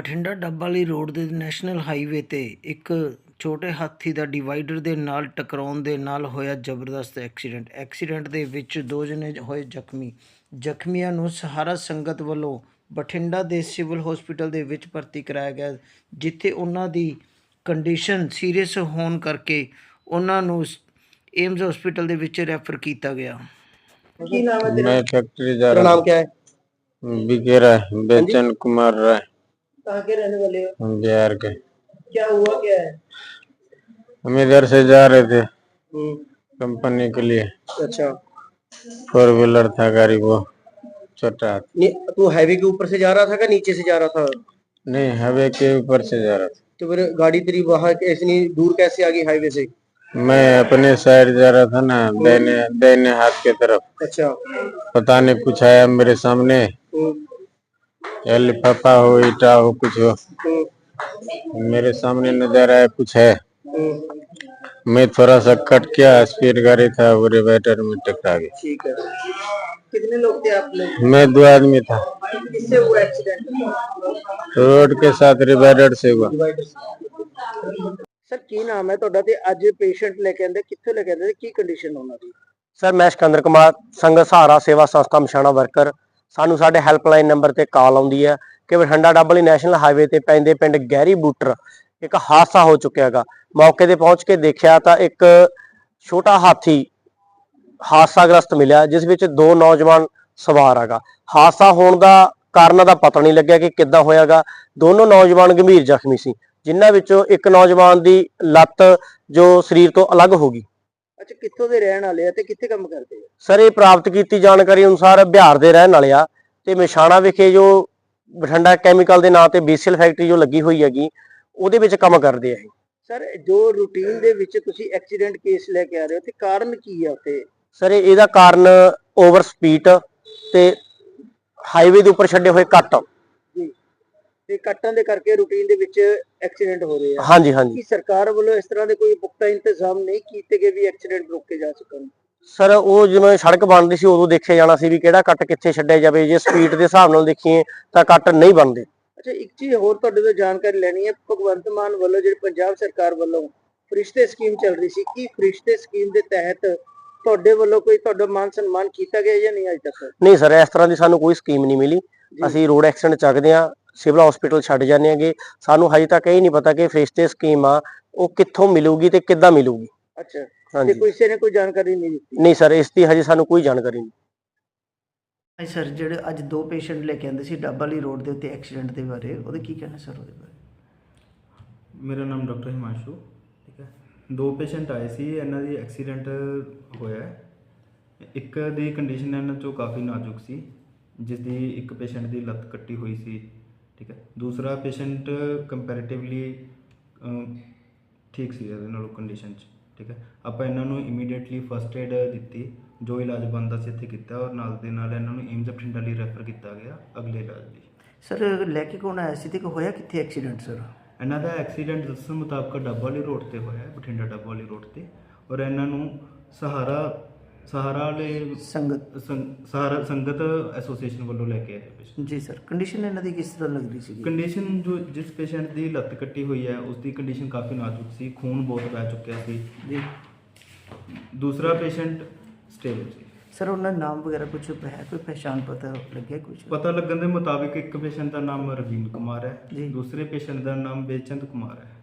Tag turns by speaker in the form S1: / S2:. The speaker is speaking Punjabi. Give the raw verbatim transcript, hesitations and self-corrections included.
S1: ਬਠਿੰਡਾ ਡੱਬ ਵਾਲੀ ਰੋਡ ਦੇ ਨੈਸ਼ਨਲ ਹਾਈਵੇ ਤੇ ਇੱਕ ਛੋਟੇ ਹਾਥੀ ਦਾ ਡਿਵਾਈਡਰ ਦੇ ਨਾਲ ਟਕਰਾਉਣ ਦੇ ਨਾਲ ਹੋਇਆ ਜ਼ਬਰਦਸਤ ਐਕਸੀਡੈਂਟ ਐਕਸੀਡੈਂਟ ਦੇ ਵਿੱਚ ਦੋ ਜਣੇ ਹੋਏ ਜ਼ਖਮੀ ਜ਼ਖਮੀਆਂ ਨੂੰ ਸਹਾਰਾ ਸੰਗਤ ਵੱਲੋਂ ਬਠਿੰਡਾ ਦੇ ਸਿਵਲ ਹਸਪੀਟਲ ਦੇ ਵਿੱਚ ਭਰਤੀ ਕਰਾਇਆ ਗਿਆ, ਜਿੱਥੇ ਉਹਨਾਂ ਦੀ ਕੰਡੀਸ਼ਨ ਸੀਰੀਅਸ ਹੋਣ ਕਰਕੇ ਉਹਨਾਂ ਨੂੰ एम्स हॉस्पिटल ਦੇ ਵਿੱਚ ਰੈਫਰ ਕੀਤਾ ਗਿਆ।
S2: ਕੀ ਨਾਮ ਹੈ तेरा?
S3: मैं फैक्ट्री जा
S2: तेरा
S3: रहा
S2: नाम क्या है?
S3: हूँ। बिकेरा है, बेचन कुमार राय,
S2: कहाँ के रहने वाले हो?
S3: हम बिहार के।
S2: क्या हुआ क्या है?
S3: हम इधर से जा रहे थे
S2: हम्म,
S3: कंपनी के लिए।
S2: अच्छा।
S3: फोर व्हीलर था गाड़ी, वो छोटा हाथी।
S2: नी- तू हाईवे के ऊपर से जा रहा था क्या नीचे से जा रहा था?
S3: नहीं, हाईवे के ऊपर से जा रहा था।
S2: तो फिर गाड़ी तेरी वहाँ ऐसी नहीं दूर कैसे आ गई हाईवे से?
S3: मैं अपने साइड जा रहा था ना, दाहिने दाहिने हाथ की तरफ।
S2: अच्छा।
S3: पता नहीं कुछ आया मेरे सामने,
S2: हम्म,
S3: या लिफाफा हो, ईटा हो, कुछ हो।
S2: हम्म,
S3: मेरे सामने नजर आया कुछ है।
S2: हम्म,
S3: मैं थोड़ा सा कट किया, स्पीड गाड़ी था, वो डिवाइडर में टकरा गई।
S2: ठीक है। कितने लोग थे आप लोग?
S3: मैं दो आदमी था।
S2: किससे हुआ एक्सीडेंट?
S3: रोड के साथ डिवाइडर से हुआ।
S2: सर की नाम है ਤੁਹਾਡਾ ਤੇ ਅੱਜ ਪੇਸ਼ੈਂਟ ਲੈ ਕੇ ਆਂਦੇ ਕਿੱਥੇ ਲੈ ਕੇ ਆਂਦੇ ਕੀ ਕੰਡੀਸ਼ਨ ਉਹਨਾਂ ਦੀ? ਸਰ ਮੈਂ ਸਿਕੰਦਰ ਕੁਮਾਰ ਸੰਗਤ ਸਹਾਰਾ ਸੇਵਾ ਸੰਸਥਾ ਮਸ਼ਾਣਾ ਵਰਕਰ। ਸਾਨੂੰ ਸਾਡੇ ਹੈਲਪਲਾਈਨ ਨੰਬਰ ਤੇ ਕਾਲ ਆਉਂਦੀ ਹੈ ਕਿ ਬਠਿੰਡਾ ਡੱਬ ਵਾਲੀ ਨੈਸ਼ਨਲ ਹਾਈਵੇ ਤੇ ਪੈਂਦੇ ਪਿੰਡ ਗਹਿਰੀ ਬੂਟਰ ਇੱਕ ਹਾਦਸਾ ਹੋ ਚੁੱਕਿਆ ਹੈਗਾ। ਮੌਕੇ ਤੇ ਪਹੁੰਚ ਕੇ ਦੇਖਿਆ ਤਾਂ ਇੱਕ ਛੋਟਾ ਹਾਥੀ ਹਾਦਸਾਗ੍ਰਸਤ ਮਿਲਿਆ, ਜਿਸ ਵਿੱਚ ਦੋ ਨੌਜਵਾਨ ਸਵਾਰ ਹੈਗਾ। ਹਾਦਸਾ ਹੋਣ ਦਾ ਕਾਰਨ ਦਾ ਪਤਾ ਨਹੀਂ ਲੱਗਿਆ ਕਿ ਕਿੱਦਾਂ ਹੋਇਆਗਾ। ਦੋਨੋਂ ਨੌਜਵਾਨ ਗੰਭੀਰ ਜ਼ਖਮੀ ਸੀ, ਜਿਨ੍ਹਾਂ ਵਿੱਚੋਂ ਇੱਕ ਨੌਜਵਾਨ ਦੀ ਲੱਤ ਜੋ ਸਰੀਰ ਤੋਂ ਅਲੱਗ ਹੋ ਗਈ। ਅੱਛਾ, ਕਿੱਥੋਂ ਦੇ ਰਹਿਣ ਵਾਲੇ ਆ ਤੇ ਕਿੱਥੇ ਕੰਮ ਕਰਦੇ ਆ? ਸਰ ਇਹ ਪ੍ਰਾਪਤ ਕੀਤੀ ਜਾਣਕਾਰੀ ਅਨੁਸਾਰ ਬਿਹਾਰ ਦੇ ਰਹਿਣ ਵਾਲੇ ਆ ਤੇ ਮਸ਼ਾਣਾ ਵਿਖੇ ਜੋ ਬਠਿੰਡਾ ਕੈਮੀਕਲ ਦੇ ਨਾਂ ਤੇ ਬੀਸੀਐਲ ਫੈਕਟਰੀ ਜੋ ਲੱਗੀ ਹੋਈ ਹੈਗੀ, ਉਹਦੇ ਵਿੱਚ ਕੰਮ ਕਰਦੇ ਆ ਇਹ। ਸਰ ਜੋ ਰੂਟੀਨ ਦੇ ਵਿੱਚ ਤੁਸੀਂ ਐਕਸੀਡੈਂਟ ਕੇਸ ਲੈ ਕੇ ਆ ਰਹੇ ਹੋ ਤੇ ਕਾਰਨ ਕੀ ਆ ਉੱਥੇ? ਸਰ ਇਹਦਾ ਕਾਰਨ ਓਵਰ ਸਪੀਡ ਤੇ ਹਾਈਵੇ ਦੇ ਉੱਪਰ ਛੱਡੇ ਹੋਏ ਕੱਟ ਜੀ, ਤੇ ਕੱਟਾਂ ਦੇ ਕਰਕੇ ਰੂਟੀਨ ਦੇ ਵਿੱਚ ਐਕਸੀਡੈਂਟ ਹੋ ਰਹੇ ਆ। ਹਾਂਜੀ ਹਾਂਜੀ। ਕੀ ਸਰਕਾਰ ਵੱਲੋਂ ਇਸ ਤਰ੍ਹਾਂ ਦੇ ਕੋਈ ਪੁਖਤਾ ਇੰਤਜ਼ਾਮ ਨਹੀਂ ਕੀਤੇ ਗਏ ਵੀ ਐਕਸੀਡੈਂਟ ਰੋਕੇ ਜਾ ਸਕਣ? ਸਰ ਉਹ ਜਿਵੇਂ ਸੜਕ ਬਣਦੀ ਸੀ ਉਦੋਂ ਦੇਖਿਆ ਜਾਣਾ ਸੀ ਵੀ ਕਿਹੜਾ ਕੱਟ ਕਿੱਥੇ ਛੱਡਿਆ ਜਾਵੇ। ਜੇ ਸਪੀਡ ਦੇ ਹਿਸਾਬ ਨਾਲ ਦੇਖੀਏ ਤਾਂ ਕੱਟ ਨਹੀਂ ਬਣਦੇ। ਅੱਛਾ, ਇੱਕ ਚੀਜ਼ ਹੋਰ ਤੁਹਾਡੇ ਤੋਂ ਜਾਣਕਾਰੀ ਲੈਣੀ ਹੈ। ਭਗਵੰਤ ਮਾਨ ਵੱਲੋਂ ਜਿਹੜੀ ਪੰਜਾਬ ਸਰਕਾਰ ਵੱਲੋਂ ਫਰਿਸ਼ਤੇ ਸਕੀਮ ਚੱਲ ਰਹੀ ਸੀ, ਕੀ ਫਰਿਸ਼ਤੇ ਸਕੀਮ ਦੇ ਤਹਿਤ ਤੁਹਾਡੇ ਵੱਲੋਂ ਕੋਈ ਤੁਹਾਡਾ ਮਾਨ ਸਨਮਾਨ ਕੀਤਾ ਗਿਆ ਜਾਂ ਨਹੀਂ ਅਜੇ ਤੱਕ? ਨਹੀਂ ਸਰ, ਇਸ ਤਰ੍ਹਾਂ ਦੀ ਸਾਨੂੰ ਕੋਈ ਸਕੀਮ ਨਹੀਂ ਮਿਲੀ। ਅਸੀਂ ਰੋਡ ਐਕਸੀਡੈਂਟ ਚੱਕਦੇ ਹਾਂ, ਸਿਵਲ ਹਸਪੀਟਲ ਛੱਡ ਜਾਂਦੇ ਹੈਗੇ। ਸਾਨੂੰ ਹਜੇ ਤੱਕ ਇਹ ਨਹੀਂ ਪਤਾ ਕਿ ਫਰਿਸ਼ਤੇ ਸਕੀਮ ਆ ਉਹ ਕਿੱਥੋਂ ਮਿਲੂਗੀ ਤੇ ਕਿੱਦਾਂ ਮਿਲੂਗੀ। ਅੱਛਾ, ਤੇ ਕਿਸੇ ਨੇ ਕੋਈ ਜਾਣਕਾਰੀ ਨਹੀਂ ਦਿੱਤੀ? ਨਹੀਂ ਸਰ, ਇਸ ਦੀ ਹਜੇ ਸਾਨੂੰ ਕੋਈ ਜਾਣਕਾਰੀ ਨਹੀਂ।
S1: ਸਰ ਜਿਹੜੇ ਅੱਜ ਦੋ ਪੇਸ਼ੈਂਟ ਲੈ ਕੇ ਆਂਦੇ ਸੀ ਡੱਬ ਵਾਲੀ ਰੋਡ ਦੇ ਉੱਤੇ ਐਕਸੀਡੈਂਟ ਦੇ ਬਾਰੇ, ਉਹਦੇ ਕੀ ਕਹਿਣਾ ਸਰ ਉਹਦੇ ਬਾਰੇ?
S4: ਮੇਰਾ ਨਾਮ ਡਾਕਟਰ ਹਿਮਾਂਸ਼ੂ, ਠੀਕ ਹੈ। ਦੋ ਪੇਸ਼ੈਂਟ ਆਏ ਸੀ, ਇਹਨਾਂ ਦੀ ਐਕਸੀਡੈਂਟ ਹੋਇਆ। ਇੱਕ ਦੀ ਕੰਡੀਸ਼ਨ ਇਹਨਾਂ 'ਚੋਂ ਕਾਫੀ ਨਾਜ਼ੁਕ ਸੀ, ਜਿਸ ਦੀ ਇੱਕ ਪੇਸ਼ੈਂਟ ਦੀ ਲੱਤ ਕੱਟੀ ਹੋਈ ਸੀ, ਠੀਕ ਹੈ। ਦੂਸਰਾ ਪੇਸ਼ੈਂਟ ਕੰਪੈਰੇਟਿਵਲੀ ਠੀਕ ਸੀ ਇਹਦੇ ਨਾਲੋਂ ਕੰਡੀਸ਼ਨ 'ਚ, ਠੀਕ ਹੈ। ਆਪਾਂ ਇਹਨਾਂ ਨੂੰ ਇਮੀਡੀਏਟਲੀ ਫਸਟ ਏਡ ਦਿੱਤੀ, ਜੋ ਇਲਾਜ ਬਣਦਾ ਸੀ ਇੱਥੇ ਕੀਤਾ, ਔਰ ਨਾਲ ਦੇ ਨਾਲ ਇਹਨਾਂ ਨੂੰ ਏਮਜ਼ ਬਠਿੰਡਾ ਲਈ ਰੈਫਰ ਕੀਤਾ ਗਿਆ ਅਗਲੇ ਇਲਾਜ ਲਈ।
S1: ਸਰ ਲੈ ਕੇ ਕੌਣ ਆਇਆ ਸੀ ਤੇ ਹੋਇਆ ਕਿੱਥੇ ਐਕਸੀਡੈਂਟ ਸਰ?
S4: ਇਹਨਾਂ ਦਾ ਐਕਸੀਡੈਂਟ ਦੱਸਣ ਮੁਤਾਬਕ ਡੱਬ ਵਾਲੀ ਰੋਡ ਤੇ ਹੋਇਆ, ਬਠਿੰਡਾ ਡੱਬ ਵਾਲੀ ਰੋਡ ਤੇ, ਔਰ ਇਹਨਾਂ ਨੂੰ ਸਹਾਰਾ ਸਹਾਰਾ ਵਾਲੇ
S1: ਸੰਗਤ
S4: ਸਹਾਰਾ ਸੰਗਤ ਐਸੋਸੀਏਸ਼ਨ ਵੱਲੋਂ ਲੈ ਕੇ ਆਏ।
S1: ਜੀ ਸਰ, ਕੰਡੀਸ਼ਨ ਇਹਨਾਂ ਦੀ ਕਿਸ ਤਰ੍ਹਾਂ ਲੱਗ ਰਹੀ ਸੀ?
S4: ਕੰਡੀਸ਼ਨ ਜੋ ਜਿਸ ਪੇਸ਼ੈਂਟ ਦੀ ਲੱਤ ਕੱਟੀ ਹੋਈ ਹੈ ਉਸ ਦੀ ਕੰਡੀਸ਼ਨ ਕਾਫੀ ਨਾਜ਼ੁਕ ਸੀ, ਖੂਨ ਬਹੁਤ ਵਹਿ ਚੁੱਕਿਆ ਸੀ ਜੀ। ਦੂਸਰਾ ਪੇਸ਼ੈਂਟ ਸਟੇਬਲ ਸੀ।
S1: ਸਰ ਉਹਨਾਂ ਦਾ ਨਾਮ ਵਗੈਰਾ ਕੁਝ ਹੈ, ਕੋਈ ਪਹਿਚਾਣ ਪਤਾ ਲੱਗਿਆ ਕੁਝ?
S4: ਪਤਾ ਲੱਗਣ ਦੇ ਮੁਤਾਬਿਕ ਇੱਕ ਪੇਸ਼ੈਂਟ ਦਾ ਨਾਮ ਰਵੀਨ ਕੁਮਾਰ ਹੈ
S1: ਜੀ,
S4: ਦੂਸਰੇ ਪੇਸ਼ੈਂਟ ਦਾ ਨਾਮ ਬੇਚੰਦ ਕੁਮਾਰ ਹੈ।